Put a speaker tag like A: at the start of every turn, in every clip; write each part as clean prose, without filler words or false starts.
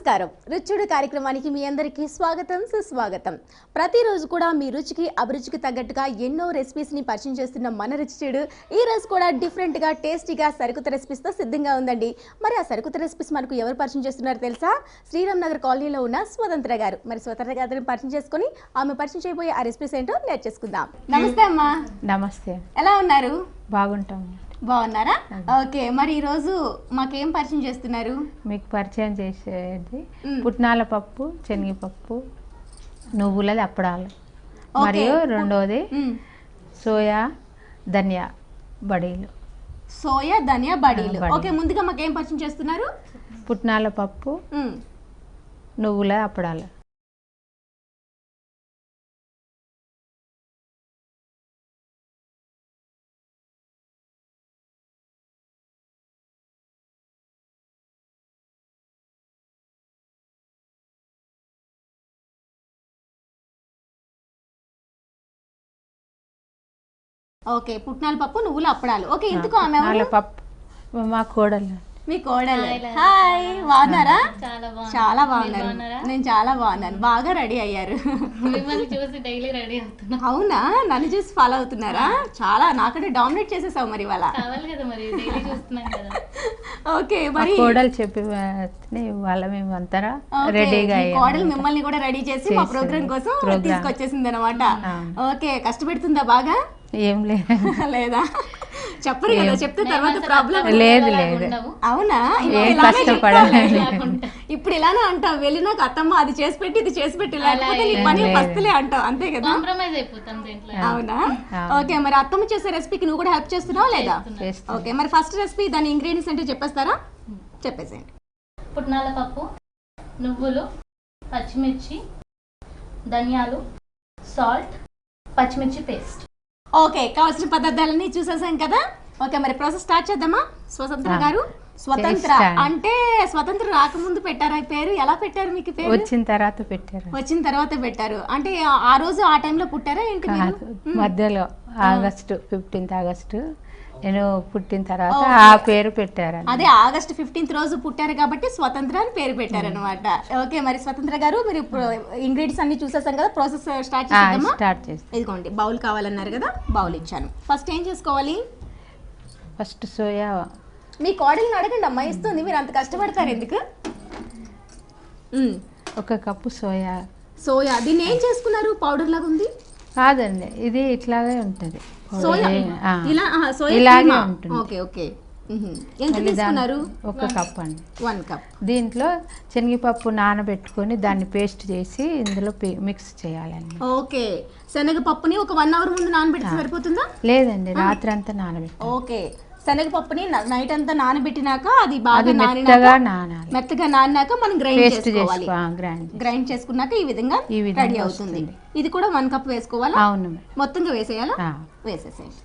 A: నమస్కారం రుచుడు కార్యక్రమానికి మీ అందరికీ స్వాగతం సుస్వాగతం. ప్రతిరోజు కూడా మీ రుచికి అభిరుచికి తగ్గట్టుగా ఎన్నో రెసిపీస్ ని పరిచయం చేస్తున్న మన రుచుడు ఈ రోజు కూడా డిఫరెంట్ గా టేస్టీగా సరుకుత రెసిపీస్ తో సిద్ధంగా ఉందండి. మరి ఆ సరుకుత రెసిపీస్ మనకు ఎవరు పరిచయం చేస్తున్నారో తెలుసా? శ్రీరామ్ నగర్ కాలనీలో ఉన్న స్వతంత్ర గారు. మరి స్వతంత్ర గారిని పరిచయం చేసుకుని ఆమె పరిచయం చేయబోయే ఆ రెసిపీస్ ఏంటో నేర్చేసుకుందాం. నమస్తే అమ్మా.
B: నమస్తే.
A: ఎలా ఉన్నారు?
B: బాగుంటాం.
A: బాగున్నారా? ఓకే, మరి ఈరోజు మాకేం పరిచయం చేస్తున్నారు?
B: మీకు పరిచయం చేసేది పుట్నాల పప్పు, శనగపప్పు, నువ్వులది అప్పడాలు, మరియు రెండోది సోయా ధనియా బడీలు.
A: సోయా ధనియా బడీలు. ఓకే, ముందుగా మాకేం పరిచయం చేస్తున్నారు?
B: పుట్నాల పప్పు, నువ్వుల అప్పడాలు.
A: ఓకే, పుట్నాల పప్పు, నువ్వుల అప్పడాలు. ఓకే, ఎందుకు ఆమె
B: పప్పు మా కోడలు.
A: మీ కోడలు. హాయ్, బాగున్నారా? చాలా బాగున్నారు. నేను చాలా బాగున్నాను. బాగా రెడీ అయ్యారు. అవునా? నన్ను చూసి ఫాలో అవుతున్నారా? చాలా నాకంటే డామినేట్ చేసేసావు మరి ఇవాళ. ఓకే, మరి
B: కోడలు చెప్పి వాళ్ళ మేము అంతరా రెడీగా
A: కోడలు మిమ్మల్ని కూడా రెడీ చేసి మా ప్రోగ్రామ్ కోసం తీసుకొచ్చేసింది అనమాట. ఓకే, కష్టపెడుతుందా బాగా?
B: ఏం
A: లేదా? చెప్పరు కదా, చెప్తే తర్వాత ప్రాబ్లం
B: లేదు. లేదు.
A: అవునా? ఇప్పుడు ఇలానే అంటావు, వెళ్ళినాక అత్తమ్మ అది చేసి పెట్టి ఇది చేసి పెట్టి లేకపోతే నీ పని పస్తులే అంటావు, అంతే కదా? అవునా? ఓకే, మరి అత్తమ్మ చేసే రెసిపీకి నువ్వు కూడా హెల్ప్ చేస్తున్నావా లేదా? ఓకే, మరి ఫస్ట్ రెసిపీ దాని ఇంగ్రీడియంట్స్ అంటే చెప్పేస్తారా? చెప్పేసేయండి.
C: పుట్నాల పప్పు, నువ్వులు, పచ్చిమిర్చి, ధనియాలు, సాల్ట్, పచ్చిమిర్చి పేస్ట్.
A: ఓకే, కావాల్సిన పదార్థాలన్నీ చూసేసాం కదా. ఓకే, మరి ప్రాసెస్ స్టార్ట్ చేద్దామా? స్వతంత్ర గారు. స్వతంత్ర అంటే స్వతంత్ర రాకముందు పెట్టారా పేరు? ఎలా పెట్టారు మీకు పేరు?
B: వచ్చిన తర్వాత పెట్టారు.
A: వచ్చిన తర్వాత పెట్టారు అంటే ఆ రోజు ఆ టైంలో పుట్టారా ఏంటి?
B: మధ్యలో ఆగస్టు 15th ఆగస్టు నేను పుట్టిన తర్వాత ఆ పేరు పెట్టారు.
A: అదే ఆగస్ట్ 15th రోజు పుట్టారు కాబట్టి స్వతంత్ర అని పేరు పెట్టారనమాట. ఓకే, మరి స్వతంత్ర గారు మీరు ఇంగ్రీడియంట్స్ అన్ని చూసేసాం కదా, ప్రాసెస్ స్టార్ట్ చేద్దాం. ఇదిగోండి, బౌల్ కావాలన్నారు కదా, బౌల్ ఇచ్చాను. ఫస్ట్ ఏం చేసుకోవాలి?
B: First soya.
A: మీ కోడల్ని అడగండి అమ్మా, ఇస్తుంది. మీరు అంత కష్టపడతారు ఎందుకు?
B: 1 కప్పు సోయా.
A: సోయా దీన్ని ఏం చేసుకున్నారు? పౌడర్ లాగా ఉంది
B: కాదండి, ఇది ఇట్లాగే ఉంటుంది.
A: ఇలాగే ఉంటుంది. ఓకే ఓకే, ఎంత తీసుకున్నారు?
B: 1 కప్ అండి.
A: 1 కప్.
B: దీంట్లో శనగపప్పు నానబెట్టుకొని దాన్ని పేస్ట్ చేసి ఇందులో మిక్స్ చేయాలండి.
A: ఓకే, శనగపప్పుని ఒక 1 అవర్ ముందు నానబెడితే సరిపోతుందా?
B: లేదండి, రాత్రి అంతా నానబెట్టి.
A: ఓకే, శనగపప్పుని నైట్ అంతా నానబెట్టినాక అది బాగా మెత్తగా నానినాక మనం గ్రైండ్ చేసుకున్నాక ఈ విధంగా రెడీ అవుతుంది. ఇది కూడా 1 కప్ వేసుకోవాలా?
B: అవును, మొత్తంగా
A: వేసేయాలా? వేసేసేయండి.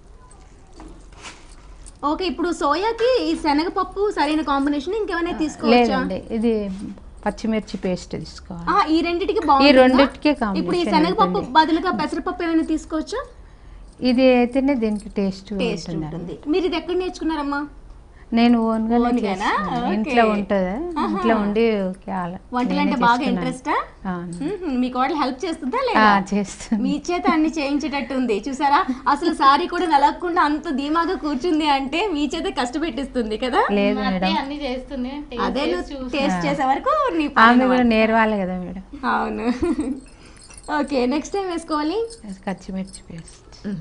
A: ఓకే, ఇప్పుడు సోయాకి ఈ శనగపప్పు సరైన కాంబినేషన్. ఇంకేమైనా తీసుకోవచ్చా?
B: ఇది పచ్చిమిర్చి పేస్ట్ తీసుకోవాలి.
A: ఈ రెండిటికి బాగుంటుంది. ఇప్పుడు ఈ శనగపప్పు బదులుగా పెసరపప్పు ఏమైనా తీసుకోవచ్చా?
B: ఇది అయితేనే దీనికి టేస్ట్
A: ఉంటుంది. మీరు ఇది ఎక్కడ నేర్చుకున్నారమ్మా?
B: నేను ఓన్గా ఇంట్లో ఉంటుంది, ఇంట్లో ఉండి
A: వంటలంటే బాగా ఇంట్రెస్టా? మీ కోడలు హెల్ప్ చేస్తుందా లేదా?
B: చేస్తుంది.
A: మీ చేత అన్ని చేయించేటట్టు ఉంది చూసారా? అసలు సారీ కూడా నలగకుండా అంత ధీమాగా కూర్చుంది అంటే మీ చేత కష్టపెట్టిస్తుంది కదా?
B: లేదు మేడం,
A: అదే టేస్ట్ చేసే వరకు
B: ఆమె కూడా నేర్వాలి కదా మేడం.
A: అవును. ఓకే, నెక్స్ట్ టైం వేసుకోవాలి
B: పచ్చిమిర్చి పేస్ట్.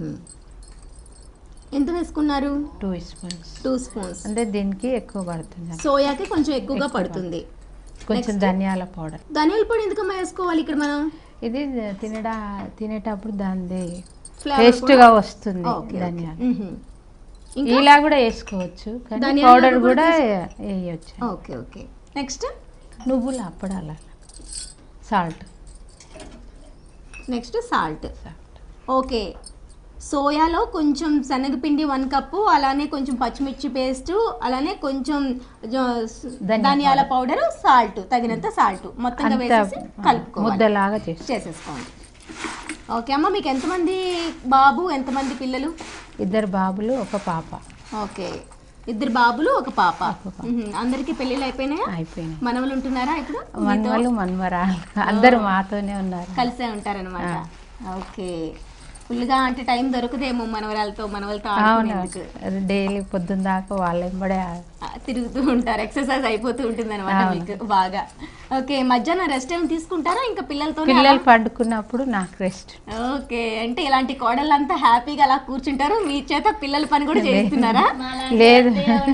A: ఎంత వేసుకున్నారు?
B: 2 స్పూన్స్.
A: 2 స్పూన్స్
B: అంటే దీనికి ఎక్కువ పడుతుంది,
A: సోయాకి కొంచెం ఎక్కువగా పడుతుంది.
B: కొంచెం ధనియాల పౌడర్.
A: ధనియాల పొడి ఎందుకమ్మా వేసుకోవాలి ఇక్కడ మనం?
B: ఇది తినేటప్పుడు దాని టేస్ట్ గా వస్తుంది. ధనియాలు ఇలా కూడా వేసుకోవచ్చు, పౌడర్ కూడా వేయచ్చు.
A: ఓకే ఓకే, నెక్స్ట్
B: నువ్వుల అప్పడాల సాల్ట్.
A: Next salt. ఓకే, సోయాలో కొంచెం శనగపిండి 1 కప్పు, అలానే కొంచెం పచ్చిమిర్చి పేస్ట్, అలానే కొంచెం ధనియాల పౌడర్, సాల్ట్, తగినంత సాల్ట్ మొత్తంగా వేసేసి కలుపుకోవాలి,
B: ముద్దలాగా
A: చేసేసుకోండి. ఓకే అమ్మ, మీకు ఎంతమంది బాబు, ఎంతమంది పిల్లలు?
B: 2 బాబులు 1 పాప.
A: ఓకే, 2 బాబులు 1 పాప. అందరికి పెళ్ళిళ్ళు అయిపోయినాయా?
B: అయిపోయినాయి.
A: మనవలు ఉంటున్నారా ఇప్పుడు?
B: మనవలు మనవరాలు అందరూ మాతోనే ఉన్నారు.
A: కలిసే ఉంటారనమాట. ఓకే, ఫుల్గా అంటే టైం దొరుకుదేమో మనవలతో
B: అవును, డైలీ పొద్దున్న దాకా వాళ్ళ వెంబడే
A: తిరుగుతూ ఉంటారు. ఎక్సర్సైజ్ అయిపోతూ ఉంటుంది అనమాట మీకు బాగా. ఓకే, మధ్యాహ్నం రెస్ట్ ఏమి తీసుకుంటారా ఇంకా పిల్లలతో?
B: పిల్లలు పండుకున్నప్పుడు నాకు రెస్ట్.
A: ఓకే, అంటే ఇలాంటి కోడళ్ళంతా హ్యాపీగా అలా కూర్చుంటారు, మీ చేత పిల్లల పని కూడా చేస్తున్నారా?
B: లేదు.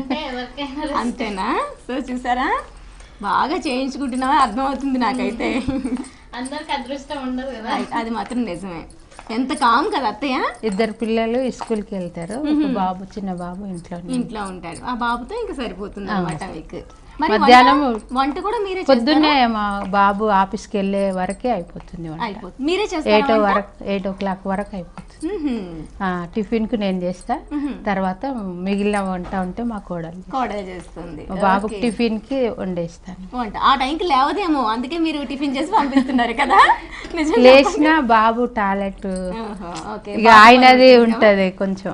A: అంతేనా? సో చూసారా, బాగా చేయించుకుంటున్నావా అర్థమవుతుంది నాకైతే.
C: అందరికి అదృష్టం ఉండదు కదా.
A: అది మాత్రం నిజమే. ఎంత కామ్ కదా అత్తయ్య.
B: 2 పిల్లలు స్కూల్కి వెళ్తారు, ఒక బాబు చిన్న బాబు ఇంట్లో
A: ఉంటాడు. ఆ బాబుతో ఇంకా సరిపోతుంది అన్నమాట మీకు. మరి
B: మధ్యాహ్నం
A: వంట కూడా మీరే
B: పొద్దున్నే మా బాబు ఆఫీస్కి వెళ్ళే వరకే అయిపోతుంది.
A: మీరే చేస్తారు?
B: 8 o'clock వరకు అయిపోతుంది. టిఫిన్కు నేను చేస్తా, తర్వాత మిగిలిన వంట ఉంటే మా కోడలు
A: చేస్తుంది.
B: బాబుకి టిఫిన్కి వండేస్తాను.
A: వంట ఆ టైంకి లేవదేమో, అందుకే మీరు టిఫిన్ చేసి పంపిస్తున్నారు కదా.
B: లేచిన బాబు టాయిలెట్ ఇక ఆయనది ఉంటది కొంచెం.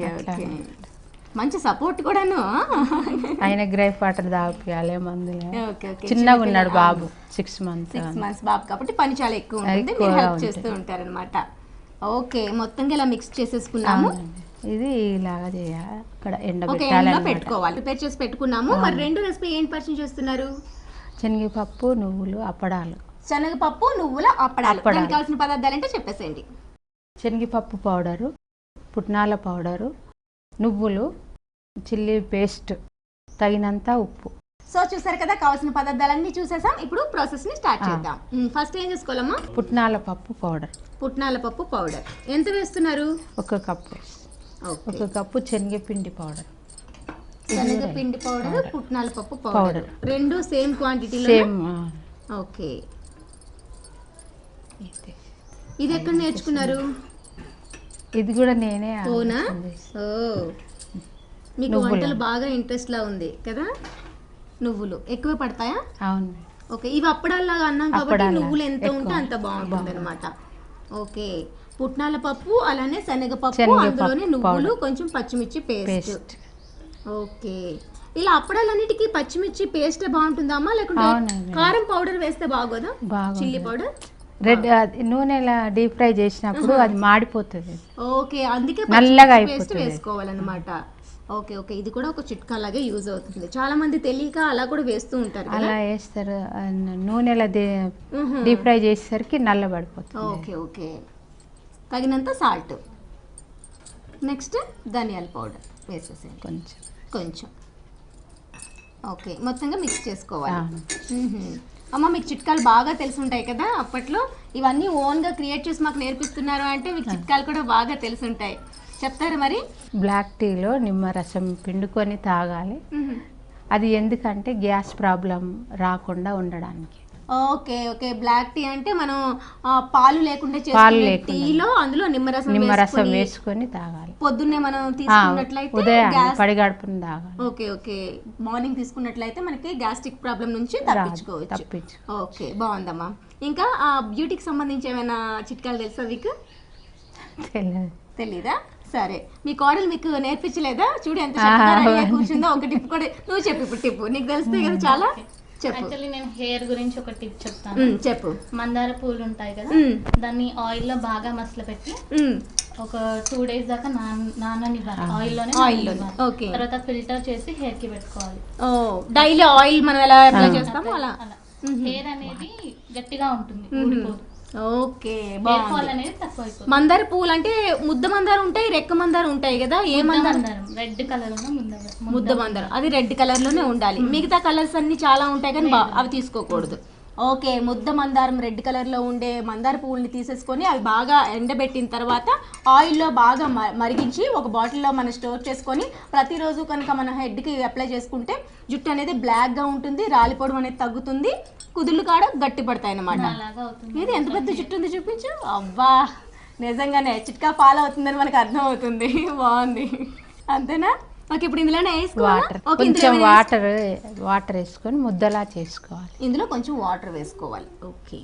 A: మంచి సపోర్ట్ కూడాను.
B: ఆయన గ్రైప్ వాటర్ తాగియాలి, మందులు. చిన్నగా ఉన్నాడు బాబు, 6 months
A: బాబు కాబట్టి పని చాలా ఎక్కువ ఉంటుంది, మీరు హెల్ప్ చేస్తూ ఉంటారనమాట. ఓకే, మొత్తంగా ఇలా మిక్స్ చేసేసుకున్నాము.
B: ఇది ఇలాగా చేయాలి, అక్కడ
A: పెట్టుకోవాలి. ప్రిపేర్ చేసి పెట్టుకున్నాము. మరి 2 రెసిపీ ఏంటి పరిచయం చేస్తున్నారు?
B: శనగపప్పు నువ్వులు అప్పడాలు.
A: శనగపప్పు నువ్వుల అప్పడాలు. దానికి కావాల్సిన పదార్థాలు అంటే చెప్పేసేయండి.
B: శనగపప్పు పౌడరు, పుట్నాల పౌడరు, నువ్వులు, చిల్లీ పేస్ట్, తగినంత ఉప్పు.
A: సో చూసారు కదా, కావాల్సిన పదార్థాలన్నీ చూసేసాం. ఇప్పుడు ప్రాసెస్ ని స్టార్ట్ చేద్దాం. ఫస్ట్ ఏం చేసుకోవాలమ్మా?
B: పుట్నాల పప్పు పౌడర్.
A: ఎంత వేస్తున్నారు?
B: 1 కప్పు. 1 కప్పు శనగపిండి పౌడర్.
A: శనగపిండి పౌడర్, పుట్నాల పప్పు పౌడర్, 2 సేమ్ క్వాంటిటీలో. ఓకే, ఇది ఎక్కడ నేర్చుకున్నారు?
B: ఇది కూడా నేనే.
A: అవునా? మీకు వంటలు బాగా ఇంట్రెస్ట్ లా ఉంది కదా. నువ్వులు ఎక్కువ పడతాయా?
B: అవును.
A: ఓకే, ఇవి అప్పడాల్లాగా అన్నాం కాబట్టి నువ్వులు ఎంత ఉంటే అంత బాగుంటుంది అనమాట. ఓకే, పుట్నాల పప్పు అలానే శనగపప్పు, అందులోనే నువ్వులు, కొంచెం పచ్చిమిర్చి పేస్ట్. ఓకే, ఇలా అప్పడాలన్నిటికీ పచ్చిమిర్చి పేస్ట్ బాగుంటుందమ్మా, లేకుంటే కారం పౌడర్ వేస్తే బాగోదా? చిల్లీ పౌడర్
B: నూనెలా డీప్ ఫ్రై చేసినప్పుడు అది మాడిపోతుంది.
A: ఓకే, అందుకే
B: నల్లగా
A: పేస్ట్ వేసుకోవాలన్నమాట. ఓకే, ఇది కూడా ఒక చిట్కా లాగే యూజ్ అవుతుంది. చాలా మంది తెలియక అలా కూడా వేస్తూ ఉంటారు.
B: అలా వేస్తారు, నూనెలా డీప్ ఫ్రై చేసేసరికి నల్లబడిపోతుంది.
A: ఓకే, తగినంత సాల్ట్. నెక్స్ట్ ధనియాల పౌడర్ వేసేసేయండి కొంచెం. ఓకే, మొత్తంగా మిక్స్ చేసుకోవాలి. అమ్మ, మీకు చిట్కాలు బాగా తెలిసి ఉంటాయి కదా అప్పట్లో. ఇవన్నీ ఓన్గా క్రియేట్ చేసి మాకు నేర్పిస్తున్నారు అంటే మీకు చిట్కాలు కూడా బాగా తెలిసి ఉంటాయి. చెప్తారా మరి?
B: బ్లాక్ టీలో నిమ్మరసం పిండుకొని తాగాలి. అది ఎందుకంటే గ్యాస్ ప్రాబ్లం రాకుండా ఉండడానికి.
A: ఓకే, బ్లాక్ టీ అంటే మనం పాలు లేకుండా చేసుకునే టీలో అందులో నిమ్మరసం వేసుకొని తాగాలి. పొద్దున్నే మనం తీసుకున్నట్లయితే
B: పడిగడుపున తాగాలి.
A: ఓకే, మార్నింగ్ తీసుకున్నట్లయితే మనకి గ్యాస్ట్రిక్ ప్రాబ్లం నుంచి తప్పించుకోవచ్చు. ఓకే, బాగుందమ్మా. ఇంకా బ్యూటీకి సంబంధించి ఏమైనా చిట్కాలు తెలుసా మీకు? తెలీదా? సరే, మీ కోడలు మీకు నేర్పించలేదా? చూడు ఎంత చక్కగా కూర్చుందో. ఒక టిప్ కూడా నువ్వు చెప్పు. ఇప్పుడు టిప్ నీకు తెలిస్తే కదా చాలా.
C: యాక్చువల్లీ నేను హెయిర్ గురించి ఒక టిప్ చెప్తాను.
A: చెప్పు.
C: మందార పూలు ఉంటాయి కదా, దాన్ని ఆయిల్ లో బాగా మసలు పెట్టి ఒక 2 days దాకా నాననివ్వాలి ఆయిల్లోనే. తర్వాత ఫిల్టర్ చేసి హెయిర్ కి పెట్టుకోవాలి.
A: డైలీ ఆయిల్ మనం ఎలా అప్లై చేస్తామో అలా
C: హెయిర్ అనేది గట్టిగా ఉంటుంది.
A: ఓకే, బాగుంది. మందార పువ్వులు అంటే ముద్ద మందారం ఉంటాయి, రెక్క మందారం ఉంటాయి కదా. ఏ మందారం?
C: రెడ్ కలర్
A: ముద్ద మందారం, అది రెడ్ కలర్ లోనే ఉండాలి. మిగతా కలర్స్ అన్ని చాలా ఉంటాయి కానీ అవి తీసుకోకూడదు. ఓకే, ముద్ద మందారం రెడ్ కలర్లో ఉండే మందార పువ్వుల్ని తీసేసుకొని అవి బాగా ఎండబెట్టిన తర్వాత ఆయిల్లో బాగా మరిగించి ఒక బాటిల్లో మనం స్టోర్ చేసుకొని ప్రతిరోజు కనుక మన హెడ్కి అప్లై చేసుకుంటే జుట్టు అనేది బ్లాక్గా ఉంటుంది, రాలిపోవడం అనేది తగ్గుతుంది, కుదుళ్ళు కాడ గట్టి పడతాయి అన్నమాట. ఇది ఎంత పెద్ద జుట్టు ఉంది చూపించు. అబ్బా, నిజంగానే చిట్కా ఫాలో అవుతుందని మనకు అర్థం అవుతుంది. బాగుంది, అంతేనా? ఓకే, ఇప్పుడు ఇందులోనే
B: కొంచెం వాటర్ వేసుకొని ముద్దలా చేసుకోవాలి.
A: ఇందులో కొంచెం వాటర్ వేసుకోవాలి. ఓకే,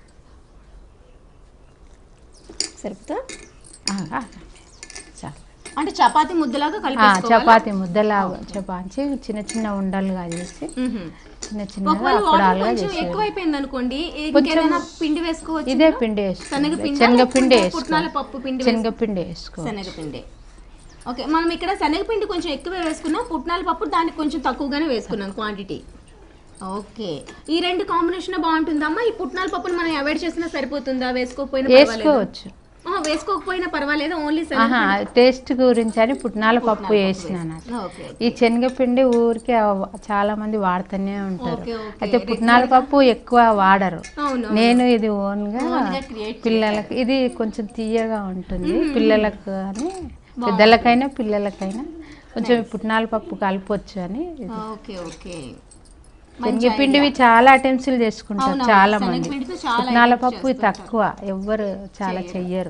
A: సరిపోతా. అంటే చపాతీ ముద్దలాగా
B: చపాతీ ముద్దలాగా చపాతి చిన్న చిన్న ఉండలుగా చేసి చిన్న చిన్నగా అప్పడాలుగా చేసి
A: ఎక్కువైపోయింది అనుకోండి పిండి వేసుకోవచ్చు.
B: ఇదే పిండి వేసుకోవాలి, శనగపిండి వేసుకోవాలి, శనగపిండి వేసుకోవాలి.
A: శనగపిండి. ఓకే, మనం ఇక్కడ శనగపిండి కొంచెం ఎక్కువ వేసుకున్నాం, పుట్నాల పప్పు దానికి కొంచెం తక్కువగానే వేసుకున్నాం క్వాంటిటీ. ఓకే, ఈ రెండు కాంబినేషన్ బాగుంటుందమ్మా. ఈ పుట్నాల పప్పుని మనం అవాయిడ్ చేసినా సరిపోతుందా?
B: వేసుకోవచ్చు,
A: వేసుకోకపోయినా పర్వాలేదు, ఓన్లీ
B: టేస్ట్ గురించి అని పుట్నాల పప్పు వేసినాను. ఈ శనగపిండి ఊరికే చాలా మంది వాడుతూనే ఉంటారు, అయితే పుట్నాల పప్పు ఎక్కువ వాడరు. నేను ఇది ఓన్ గా పిల్లలకి, ఇది కొంచెం తీయగా ఉంటుంది పిల్లలకు అని, పెద్దలకైనా పిల్లలకైనా కొంచెం పుట్నాల పప్పు కలపొచ్చు అని. శనగపిండివి చాలా ఐటమ్స్ చేసుకుంటారు చాలా మంది, పుట్నాల పప్పు తక్కువ, ఎవ్వరు చాలా చెయ్యరు.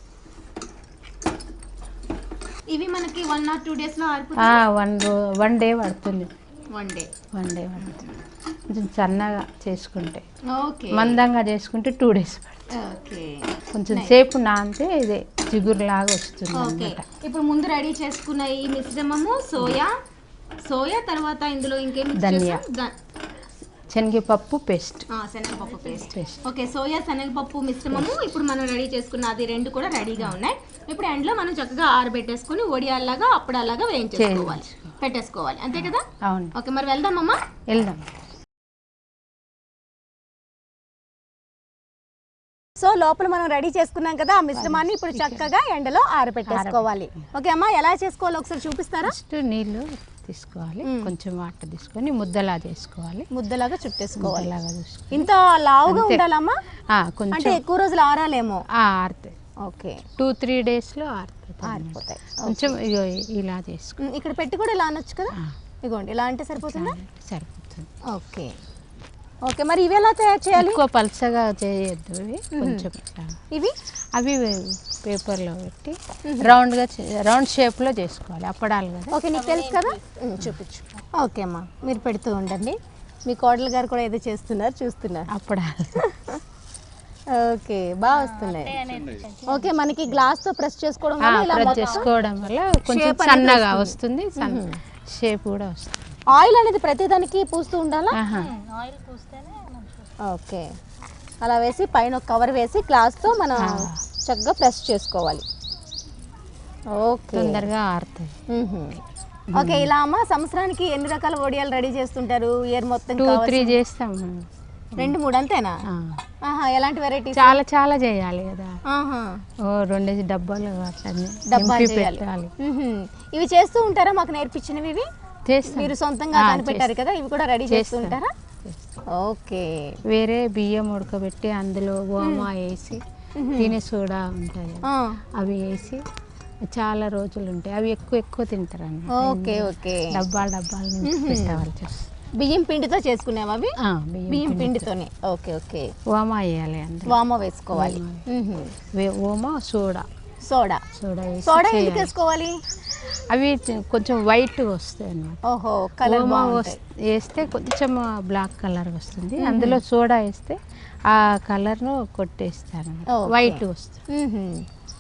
A: ఇవి మనకి 1 or 2 days లో
B: వన్ డే పడుతుంది.
A: వన్ డే
B: పడుతుంది. కొంచెం సన్నగా చేసుకుంటే, మందంగా చేసుకుంటే 2 days పడుతుంది. కొంచెం సేపు నానితే ఇదే జిగురులాగా వస్తుంది అన్నమాట.
A: ఇప్పుడు ముందు రెడీ చేసుకున్న ఈ మిశ్రమము సోయా తర్వాత ఇందులో ఇంకేం
B: ధనియా, శనగపప్పు పేస్ట్.
A: శనగపప్పు పేస్ట్. ఓకే, సోయా శనగపప్పు మిశ్రమము ఇప్పుడు మనం రెడీ చేసుకున్న అది రెండు కూడా రెడీగా ఉన్నాయి. ఇప్పుడు ఎండ్లో మనం చక్కగా ఆరబెట్టేసుకుని వడియాల్లాగా అప్పడాలాగా వేయించేసుకోవాలి, పెట్టేసుకోవాలి, అంతే కదా?
B: అవును.
A: ఓకే, మరి వెళ్దామమ్మా.
B: వెళ్దాం.
A: సో లోపల మనం రెడీ చేసుకున్నాం కదా, ఆ మిశ్రమాన్ని ఇప్పుడు చక్కగా ఎండలో ఆరబెట్టేసుకోవాలి. ఓకే అమ్మా, ఎలా చేసుకోవాలో ఒకసారి చూపిస్తారా?
B: ఫస్ట్ నీళ్ళు తీసుకోవాలి, కొంచెం వాటర్ తీసుకొని ముద్దలా చేసుకోవాలి,
A: ముద్దలాగా చుట్టేసుకోవాలి. ఇంత లావుగా ఉండాలమ్మా? కొంచెం ఎక్కువ రోజులు ఆరాలేమో.
B: ఆరుతాయి.
A: ఓకే,
B: 2-3 days లో ఆరిపోతాయి. కొంచెం ఇలా చేసుకో,
A: ఇక్కడ పెట్టి కూడా ఇలా అనొచ్చు కదా. ఇగోండి, ఇలా అంటే సరిపోతుందా?
B: సరిపోతుంది.
A: ఓకే ఓకే, మరి ఇవి ఎలా తయారు చేయాలి?
B: ఎక్కువ పల్చగా చేయొద్దు, ఇవి కొంచెం అవి పేపర్లో పెట్టి రౌండ్ షేప్లో చేసుకోవాలి, అప్పడాలు కదా.
A: ఓకే, నీకు తెలుసు కదా, చూపించు. ఓకే అమ్మా, మీరు పెడుతూ ఉండండి. మీ కోడలు గారు కూడా ఏదో చేస్తున్నారు, చూస్తున్నారు
B: అప్పడాలు.
A: ఓకే, బాగా వస్తున్నాయి. ఓకే, మనకి గ్లాస్తో ప్రెస్ చేసుకోవడం
B: వల్ల కొంచెం సన్నగా వస్తుంది, షేప్ కూడా వస్తుంది.
A: ఆయిల్ అనేది ప్రతిదానికి పూస్తూ ఉండాలా? ఓకే, అలా వేసి పైన ఒక కవర్ వేసి గ్లాస్తో మనం చక్కగా ప్రెస్ చేసుకోవాలి. ఓకే,
B: తొందరగా ఆరుతాయి.
A: ఓకే, ఇలా అమ్మ సంవత్సరానికి ఎన్ని రకాల వడియాలు రెడీ చేస్తుంటారు? ఇయర్ మొత్తం
B: 2-3 చేస్తాం.
A: 2-3 అంతేనా? ఎలాంటి వెరైటీస్?
B: చాలా చేయాలి కదా. 2 డబ్బాలు పెట్టాలి.
A: ఇవి చేస్తూ ఉంటారా? మాకు నేర్పించినవి ఇవి మీరు సొంతంగా కనిపెట్టారు కదా, ఇవి కూడా రెడీ చేస్తుంటారా? ఓకే,
B: వేరే బియ్యం ఉడకబెట్టి అందులో ఓమా వేసి తినే సోడా ఉంటుంది, అవి వేసి చాలా రోజులు ఉంటాయి, అవి ఎక్కువ తింటారు అన్న.
A: ఓకే ఓకే,
B: డబ్బాలు పెట్టవాలి.
A: బియ్యం పిండితో చేసుకునేవా అవి? బియ్యం పిండితోనే. ఓకే ఓకే,
B: ఓమా వేయాలి,
A: వామా వేసుకోవాలి.
B: ఓమా సోడా
A: ఎందుకు వేసుకోవాలి?
B: అవి కొంచెం వైట్ వస్తాయి అన్నమాట.
A: ఓహో, కలర్
B: వేస్తే కొంచెం బ్లాక్ కలర్ వస్తుంది, అందులో సోడా వేస్తే ఆ కలర్ను కొట్టేస్తాను, వైట్ వస్తుంది.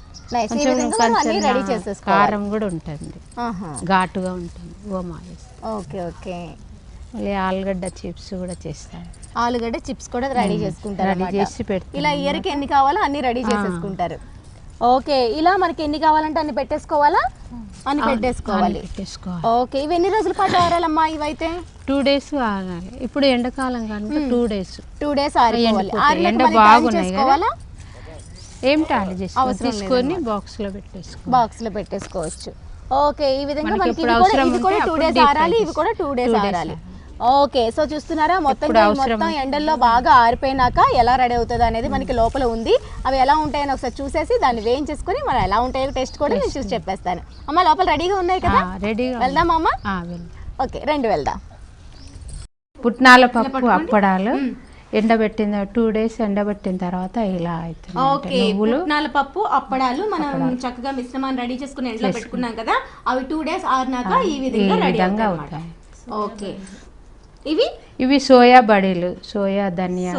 B: కారం కూడా ఉంటుంది, ఘాటుగా ఉంటుంది ఓమా వేస్తే.
A: ఓకే ఓకే,
B: ఆలుగడ్డ చిప్స్ కూడా చేస్తాను.
A: ఆలుగడ్డ చిప్స్ కూడా రెడీ చేసుకుంటారు,
B: రెడీ చేసి పెడతాను.
A: ఇలా ఇయర్కి ఎన్ని కావాలో అన్ని రెడీ చేసేసుకుంటారు. ఓకే, ఇలా మనకి ఎన్ని కావాలంటే అన్ని పెట్టేసుకోవాలా? అన్ని పెట్టేసుకోవాలి. ఓకే, ఇవి ఎన్ని రోజుల పాటు ఆరాలమ్మా? ఇవైతే
B: 2 days ఆరాలి. ఇప్పుడు ఎండాకాలం కనుక 2 days
A: ఆరాలి.
B: ఎండ బాగున్నాయి కదా, ఏం టాలి తీసుకొని బాక్స్ లో పెట్టేసుకోవచ్చు.
A: ఓకే, ఈ విధంగా మనకి ఇవి కూడా 2 days ఆరాలి, ఇవి కూడా 2 days ఆరాలి. ఓకే, సో చూస్తున్నారా, మొత్తం ఎండల్లో బాగా ఆరిపోయినాక ఎలా రెడీ అవుతుంది అనేది మనకి లోపల ఉంది. అవి ఎలా ఉంటాయని ఒకసారి చూసేసి దాన్ని వేయించేసుకుని మనం ఎలా ఉంటాయో టెస్ట్ కూడా నేను చూసి చెప్పేస్తాను. అమ్మ, లోపల రెడీగా ఉన్నాయి కదా, వెళ్దాం అమ్మ? ఓకే, రండి వెళ్దాం.
B: పుట్నాల పప్పు అప్పడాలు ఎండబెట్టిన 2 days ఎండబెట్టిన తర్వాత ఇలా అవుతుంది.
A: ఓకే, పుట్నాల పప్పు అప్పడాలు మనం చక్కగా మిశ్రమాన్ని రెడీ చేసుకుని ఎండలో పెట్టుకున్నాం కదా, అవి 2 days ఆరినాక ఈ విధంగా అవుతాయి. ఓకే,
B: ఇవి సోయా బడీలు, సోయా బడీలు.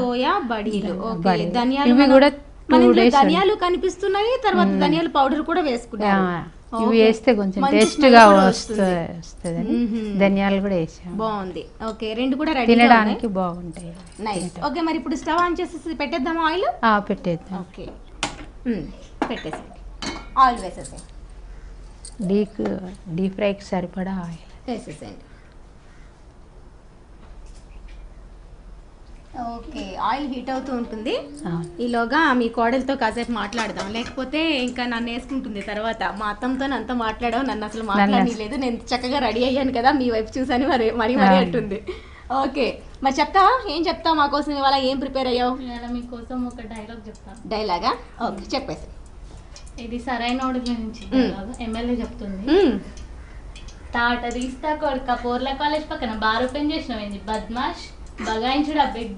A: ఇవి కూడా 2 days. ధనియాలు కనిపిస్తున్నాయి, తర్వాత ధనియాల పౌడర్ కూడా వేసుకున్నాం.
B: ఇవి వేస్తే కొంచెం టేస్ట్గా వస్తుందని ధనియాలు కూడా వేసాం.
A: బాగుంది. ఓకే, రెండు కూడా రెడీ
B: తినడానికి బాగుంటాయి.
A: నైస్. ఓకే, మరి ఇప్పుడు స్టవ్ ఆన్ చేసేసి పెట్టేద్దామా ఆయిల్?
B: పెట్టేద్దాం.
A: ఓకే, పెట్టేసేయండి. ఆయిల్ వేసేసేయండి.
B: డీప్ ఫ్రైకి సరిపడా ఆయిల్
A: వేసేసేయండి. ఓకే, ఆయిల్ హీట్ అవుతూ ఉంటుంది. ఈలోగా మీ కోడలతో కాసేపు మాట్లాడదాం, లేకపోతే ఇంకా నన్ను వేసుకుంటుంది తర్వాత. మా అత్తంతో అంతా మాట్లాడావు, నన్ను అసలు మాట్లాడలేదు. నేను చక్కగా రెడీ అయ్యాను కదా, మీ వైపు చూసాను మరి మరీ అంటుంది. ఓకే, మరి చెప్తావా? ఏం చెప్తావు మా కోసం ఇవాళ? ఏం ప్రిపేర్ అయ్యావు?
C: మీకోసం ఒక డైలాగ్ చెప్తాను.
A: డైలాగా? ఓకే, చెప్పేసి.
C: ఇది సరైన నుంచి ఎమ్మెల్యే చెప్తుంది. తాట తీస్తా కొడుక పోర్ల కాలేజ్ పక్కన బార్ ఓపెన్ చేసినవేంది బద్మాష్, బగాయించుడా బిడ్డ,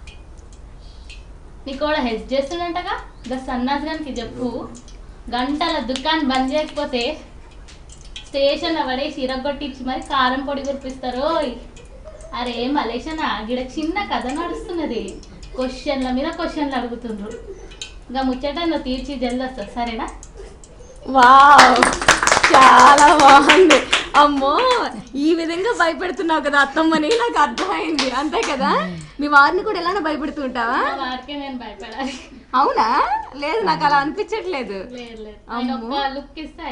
C: నీ కూడా హెల్ప్ చేస్తుండంటగా గా సన్నాస్ గానికి చెప్పు, గంటల దుకాణం బంద్ చేయకపోతే స్టేషన్లో పడేసి ఇరగొట్టించి మరి కారం పొడి కురిపిస్తారు. అరే మలేషనా, గిడ చిన్న కథ నడుస్తున్నది, క్వశ్చన్ల మీద క్వశ్చన్లు అడుగుతుండ్రు, ఇంకా ముచ్చట నువ్వు తీర్చి జల్ది వస్తా, సరేనా?
A: వావ్, చాలా బాగుంది. అమ్మో, ఈ విధంగా భయపెడుతున్నావు కదా అత్తమ్మని, నాకు అర్థమైంది. అంతే కదా, మీ వారిని కూడా ఎలా భయపెడుతూ ఉంటావా?
C: వారికే నేను భయపడాలి.
A: అవునా? లేదు, నాకు అలా అనిపించట్లేదు.
C: లుక్ ఇస్తే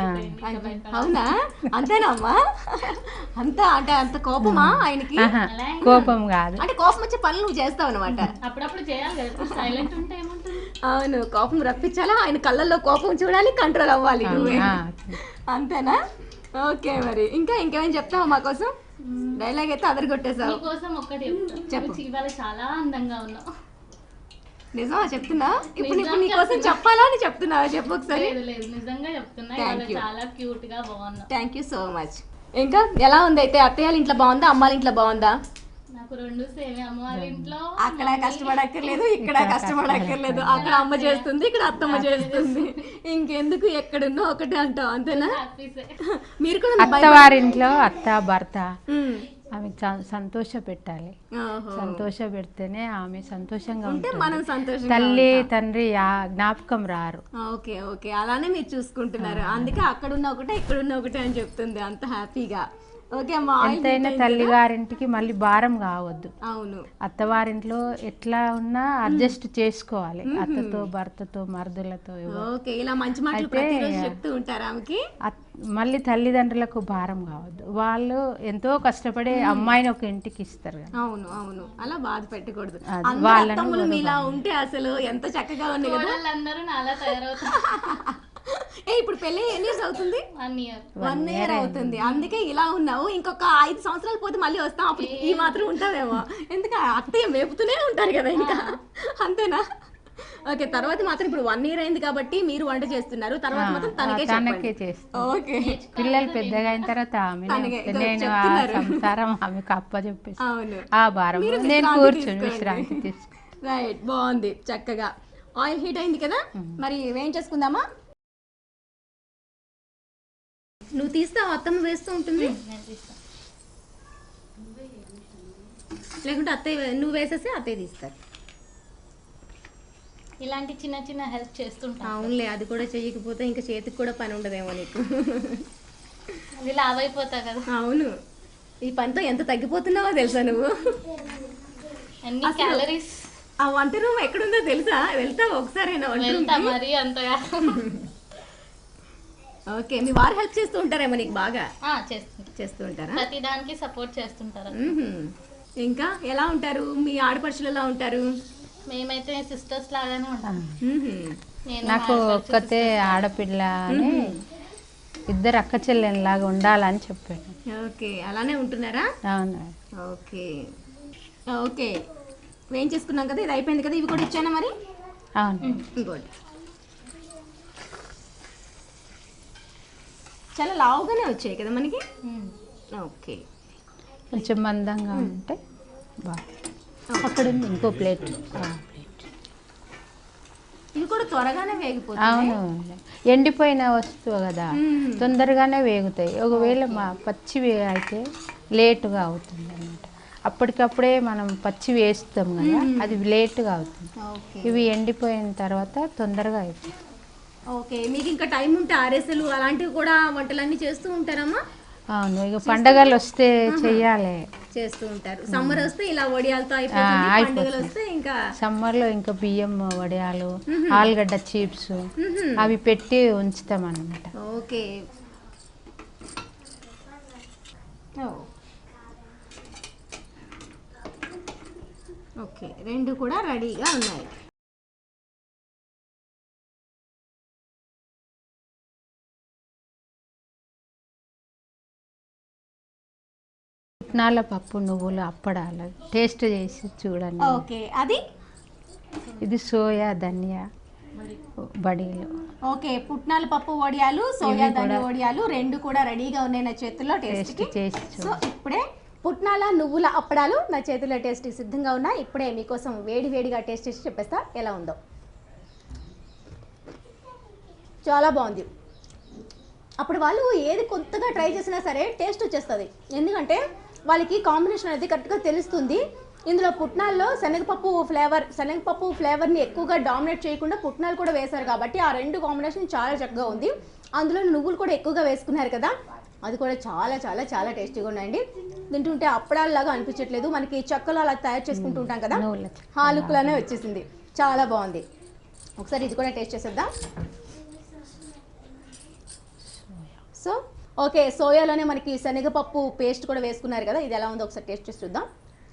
A: అవునా? అంతేనా అమ్మా? అంతా అంటే అంత కోపమా ఆయనకి?
B: కోపం కాదు,
A: అంటే కోపం వచ్చే పనులు నువ్వు చేస్తావు అనమాట.
C: అప్పుడప్పుడు చేయాలి కదా, సైలెంట్ ఉంటే ఏముంటుంది.
A: అవును, కోపం రప్పించాలా, ఆయన కళ్ళల్లో కోపం చూడాలి, కంట్రోల్ అవ్వాలి నువ్వే. అంతేనా? ఓకే, మరి ఇంకా ఇంకేమైనా చెప్తావా మా కోసం? డైలాగ్ అయితే అదరగొట్టేసావు.
C: కోసం ఒక్కటి చెప్పు. ఇవాళ చాలా అందంగా ఉన్నావు.
A: నిజమా చెప్తున్నా? ఇప్పుడు నీ కోసం చెప్పాలా అని చెప్తున్నావా? చెప్పు ఒకసారి.
C: లేదు, నిజంగా చెప్తున్నా, చాలా క్యూట్ గా బాగున్నావు.
A: Thank you so much. ఇంకా ఎలా ఉంది అయితే? అత్తయ్య ఇంట్లో బాగుందా, అమ్మాళ్ళ ఇంట్లో బాగుందా?
C: నాకు రెండు సేమే. అమ్మవారి ఇంట్లో
A: అక్కడ కష్టపడక్కర్లేదు, ఇక్కడ కష్టపడక్కర్లేదు. అక్కడ అమ్మ చేస్తుంది, ఇక్కడ అత్తమ్మ చేస్తుంది. ఇంకెందుకు, ఎక్కడున్నా ఒకటే అంటావు, అంతేనా? మీరు కూడా
B: అత్తవారింట్లో అత్త భర్త ఆమె సంతోష పెట్టాలి. సంతోష పెడితేనే ఆమె సంతోషంగా
A: ఉంటే మనం సంతోషంగా,
B: తల్లి తండ్రి జ్ఞాపకం రారు.
A: ఓకే ఓకే, అలానే మీరు చూసుకుంటున్నారు. అందుకే అక్కడున్న ఒకటే ఇక్కడున్న ఒకటే అని చెప్తుంది అంత హ్యాపీగా. ఓకే అమ్మా,
B: ఎంతైనా తల్లి గారింటికి మళ్ళీ భారం కావద్దు.
A: అవును,
B: అత్తవారింట్లో ఎట్లా ఉన్నా అడ్జస్ట్ చేసుకోవాలి, అత్తతో భర్తతో మరుదులతో.
A: ఓకే, ఇలా మంచి మాటలు ప్రతిరోజు చెప్తూ ఉంటారు ఆమెకి.
B: మళ్ళీ తల్లిదండ్రులకు భారం కావద్దు, వాళ్ళు ఎంతో కష్టపడి అమ్మాయిని ఒక ఇంటికి ఇస్తారు కదా.
A: అవును అవును, అలా బాధ పెట్టకూడదు. వాళ్ళని మీలా ఉంటే అసలు ఎంత చక్కగా ఉంది కదా.
C: అందరూ నాలా తయారవుతారు.
A: ఇప్పుడు పెళ్ళి ఎన్ని ఇయర్స్ అవుతుంది? 1 year అవుతుంది. అందుకే ఇలా ఉన్నావు. ఇంకొక 5 సంవత్సరాలు పోతే మళ్ళీ వస్తాం, అప్పుడు ఈ మాత్రం ఉంటావేమో. ఎందుకంటే అత్తయ్య మేపుతూనే ఉంటారు కదా ఇంకా, అంతేనా? ఓకే, తర్వాత మాత్రం ఇప్పుడు 1 year అయింది కాబట్టి మీరు వంట చేస్తున్నారు, తర్వాత మాత్రం తనకే చేస్తాను. ఓకే,
B: పిల్లలు పెద్దగా అయిన తర్వాత నేను సంసారం ఆమెకు అప్ప చెప్పేసి ఆ భారం నేను కూర్చొని విశ్రాంతి తీసుకు.
A: రైట్, బాగుంది చక్కగా. ఆయిల్ హీట్ అయింది కదా, మరి ఏం చేసుకుందామా? నువ్వు తీస్తావు, అత్తమ్మ వేస్తూ ఉంటుంది, లేకుంటే అత్తయ్య నువ్వు వేసేసి అత్తయ్య తీస్తారు.
C: ఇలాంటి చిన్న చిన్న హెల్ప్ చేస్తుంటా.
A: అవునులే, అది కూడా చేయకపోతే ఇంకా చేతికి కూడా పని ఉండదేమో నీకు.
C: అది లావ్ అయిపోతా కదా.
A: అవును, ఈ పనితో ఎంత తగ్గిపోతున్నావో తెలుసా నువ్వు?
C: అన్ని క్యాలరీస్.
A: ఆ వంట రూమ్ ఎక్కడుందో తెలుసా? వెళ్తావా ఒకసారైనా వంట రూమ్?
C: మరి అంతగా.
A: ఓకే, మీ వారు హెల్ప్ చేస్తూ ఉంటారేమో నీకు బాగా? చేస్తూ ఉంటారా?
C: ప్రతి దానికి సపోర్ట్ చేస్తుంటారు.
A: ఇంకా ఎలా ఉంటారు మీ ఆడపడుచులు? ఎలా ఉంటారు?
C: మేమైతే సిస్టర్స్ లాగానే ఉంటాం.
B: నాకు ఒక్కతే ఆడపిల్ల అని, ఇద్దరు అక్క చెల్లెలాగా ఉండాలని చెప్పాను.
A: ఓకే, అలానే ఉంటున్నారా?
B: అవును.
A: ఓకే ఓకే, ఏం చేసుకున్నాం కదా, ఇది అయిపోయింది కదా, ఇవి కూడా ఇచ్చానా మరి?
B: అవును,
A: ఇంకోటి చాలా లావుగానే వచ్చాయి కదా మనకి. ఓకే,
B: కొంచెం మందంగా ఉంటే బాగా. అక్కడ ఉంది ఇంకో ప్లేట్.
A: ఇవి కూడా త్వరగానే వేగిపోతాయి.
B: అవును, ఎండిపోయిన వస్తువు కదా, తొందరగానే వేగుతాయి. ఒకవేళ పచ్చి అయితే లేటుగా అవుతుంది అన్నమాట. అప్పటికప్పుడే మనం పచ్చి వేస్తాం కదా, అది లేటుగా అవుతుంది. ఇవి ఎండిపోయిన తర్వాత తొందరగా అయిపోతుంది.
A: ఓకే, మీకు ఇంకా టైం ఉంటే ఆర్ఎస్ఎల్ అలాంటివి కూడా వంటలన్నీ చేస్తూ ఉంటారమ్మా?
B: అవును, ఇక పండగలు వస్తే చెయ్యాలి.
A: చేస్తూ ఉంటారు. సమ్మర్ వస్తే ఇలా వడియాలతో అయిపోతుంది, పండుగలు వస్తే ఇంకా
B: సమ్మర్లో ఇంకా బియ్యం వడియాలు, ఆలుగడ్డ చిప్స్ అవి పెట్టి ఉంచుతాం అన్నమాట.
A: ఓకే. ఓకే, రెండు కూడా రెడీగా ఉన్నాయి.
B: పుట్నాల పప్పు నువ్వులు అప్పడాలు టేస్ట్ చేసి చూడండి.
A: ఓకే, అది
B: ఇది సోయా ధనియా బడీలు.
A: ఓకే, పుట్నాల పప్పు వడియాలు, సోయా ధనియా వడియాలు రెండు కూడా రెడీగా ఉన్నాయి నా చేతుల్లో టేస్ట్
B: చేసి.
A: సో ఇప్పుడే పుట్నాల నువ్వుల అప్పడాలు నా చేతుల్లో టేస్ట్ సిద్ధంగా ఉన్నాయి. ఇప్పుడే మీకోసం వేడిగా టేస్ట్ చేసి చెప్పేస్తా ఎలా ఉందో. చాలా బాగుంది. అప్పుడు వాళ్ళు ఏది కొత్తగా ట్రై చేసినా సరే టేస్ట్ వచ్చేస్తుంది, ఎందుకంటే వాళ్ళకి కాంబినేషన్ అనేది కరెక్ట్గా తెలుస్తుంది. ఇందులో పుట్నాల్లో శనగపప్పు ఫ్లేవర్ని ఎక్కువగా డామినేట్ చేయకుండా పుట్నాలు కూడా వేశారు కాబట్టి ఆ రెండు కాంబినేషన్ చాలా చక్కగా ఉంది. అందులో నువ్వులు కూడా ఎక్కువగా వేసుకున్నారు కదా, అది కూడా చాలా చాలా చాలా టేస్టీగా ఉన్నాయండి. తింటుంటే అప్పడాల్లాగా అనిపించట్లేదు, మనకి చెక్కలు అలా తయారు చేసుకుంటూ ఉంటాం కదా, హాలుకులానే వచ్చేసింది. చాలా బాగుంది. ఒకసారి ఇది కూడా టేస్ట్ చేసేద్దాం. సో ఓకే, సోయాలోనే మనకి శనగపప్పు పేస్ట్ కూడా వేసుకున్నారు కదా, ఇది ఎలా ఉందో ఒకసారి టేస్ట్ చేసి చూద్దాం.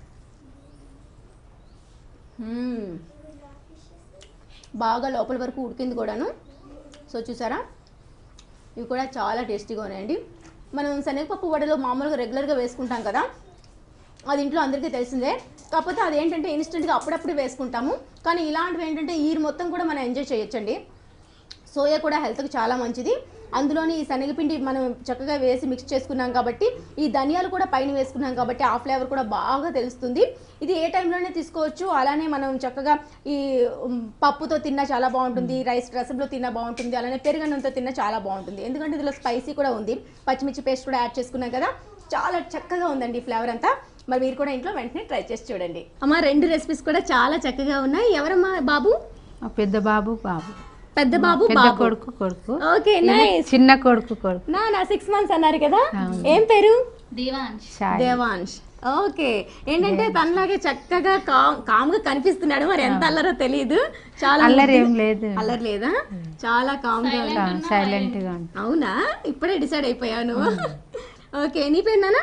A: బాగా లోపల వరకు ఉడికింది కూడాను. సో చూసారా, ఇవి కూడా చాలా టేస్టీగా ఉన్నాయండి. మనం శనగపప్పు వడలో మామూలుగా రెగ్యులర్గా వేసుకుంటాం కదా, అది ఇంట్లో అందరికీ తెలిసిందే. కాకపోతే అదేంటంటే ఇన్స్టెంట్గా అప్పుడప్పుడు వేసుకుంటాము, కానీ ఇలాంటివి ఏంటంటే ఈ మొత్తం కూడా మనం ఎంజాయ్ చేయొచ్చండి. సోయా కూడా హెల్త్కి చాలా మంచిది. అందులోని ఈ శనగపిండి మనం చక్కగా వేసి మిక్స్ చేసుకున్నాం కాబట్టి, ఈ ధనియాలు కూడా పైన వేసుకున్నాం కాబట్టి ఆ ఫ్లేవర్ కూడా బాగా తెలుస్తుంది. ఇది ఏ టైంలోనే తీసుకోవచ్చు. అలానే మనం చక్కగా ఈ పప్పుతో తిన్నా చాలా బాగుంటుంది, రసంలో తిన్నా బాగుంటుంది, అలానే పెరుగన్నంతో తిన్నా చాలా బాగుంటుంది. ఎందుకంటే ఇందులో స్పైసీ కూడా ఉంది, పచ్చిమిర్చి పేస్ట్ కూడా యాడ్ చేసుకున్నాం కదా, చాలా చక్కగా ఉందండి ఫ్లేవర్ అంతా. మరి మీరు కూడా ఇంట్లో వెంటనే ట్రై చేసి చూడండి. అమ్మ, రెండు రెసిపీస్ కూడా చాలా చక్కగా ఉన్నాయి. ఎవరమ్మా బాబు?
B: పెద్ద బాబు
A: పెద్ద బాబు
B: కొడుకు.
A: Okay, nice.
B: చిన్న కొడుకు
A: నా 6 months అన్నారు కదా, ఏం పేరు?
C: దేవాంశ్.
A: ఓకే, ఏంటంటే తనలాగే చక్కగా కామ్గా కనిపిస్తున్నాడు, మరి ఎంత అల్లరో తెలియదు. చాలా
B: అల్లరి ఏం లేదు,
A: అల్లరి లేదా, చాలా కామ్గా
B: సైలెంట్ గా.
A: అవునా, ఇప్పుడే డిసైడ్ అయిపోయాను. ఓకే, నీ పేరు నాన్న?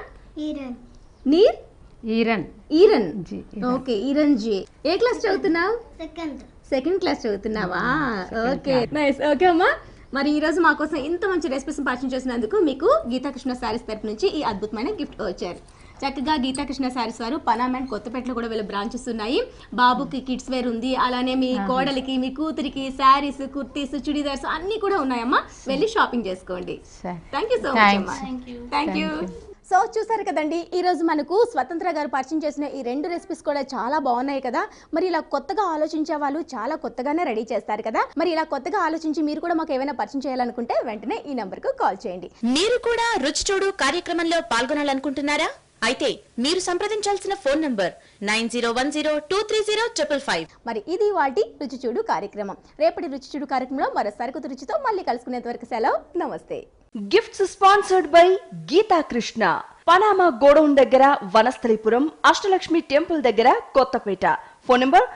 A: ఈరన్. ఓకే, ఈరన్ జీ. ఏ క్లాస్ చదువుతున్నావు? సెకండ్ క్లాస్ చదువుతున్నావా? Okay, nice. ఓకే అమ్మా, మరి ఈరోజు మా కోసం ఇంత మంచి రెసిపీస్ పరిచయం చేసినందుకు మీకు గీతాకృష్ణ శారీస్ తరపు నుంచి ఈ అద్భుతమైన గిఫ్ట్ వచ్చారు. చక్కగా గీతాకృష్ణ శారీస్ వారు పనామ్ అండ్ కొత్తపేటలో కూడా వీళ్ళ బ్రాంచెస్ ఉన్నాయి. బాబుకి కిడ్స్ వేర్ ఉంది, అలానే మీ కోడలికి, మీ కూతురికి శారీస్, కుర్తీస్, చుడీదార్స్ అన్నీ కూడా ఉన్నాయమ్మా. వెళ్ళి షాపింగ్ చేసుకోండి. థ్యాంక్ యూ సో మచ్ అమ్మా. Thank you. సో చూసారు కదండి, ఈరోజు మనకు స్వతంత్ర గారు పరిచయం చేసిన ఈ రెండు రెసిపీస్ కూడా చాలా బాగున్నాయి కదా. మరి ఇలా కొత్తగా ఆలోచించే వాళ్ళు చాలా కొత్తగానే రెడీ చేస్తారు కదా. మరి ఇలా కొత్తగా ఆలోచించి మీరు కూడా మాకు ఏమైనా పరిచయం చేయాలనుకుంటే వెంటనే ఈ నంబర్కు కాల్ చేయండి.
D: మీరు కూడా రుచి చూడు కార్యక్రమంలో పాల్గొనాలనుకుంటున్నారా? అయితే మీరు సంప్రదించాల్సిన ఫోన్ నంబర్ 9010230555.
A: మరి ఇది వాటి రుచి చూడు కార్యక్రమం. రేపటి రుచి చూడు కార్యక్రమంలో మరో సరికొత్త రుచితో మళ్ళీ కలుసుకునేంత వరకు సెలవు, నమస్తే.
E: Gifts sponsored by Geethakrishna, Panama godown దగ్గర, వనస్థలిపురం, అష్టలక్ష్మి టెంపుల్ దగ్గర, కొత్తపేట. Phone number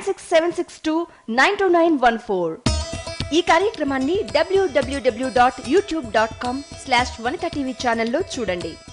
E: 9676292914. ఈ కార్యక్రమాన్ని www.youtube.com/vanitatv ఛానల్లో చూడండి.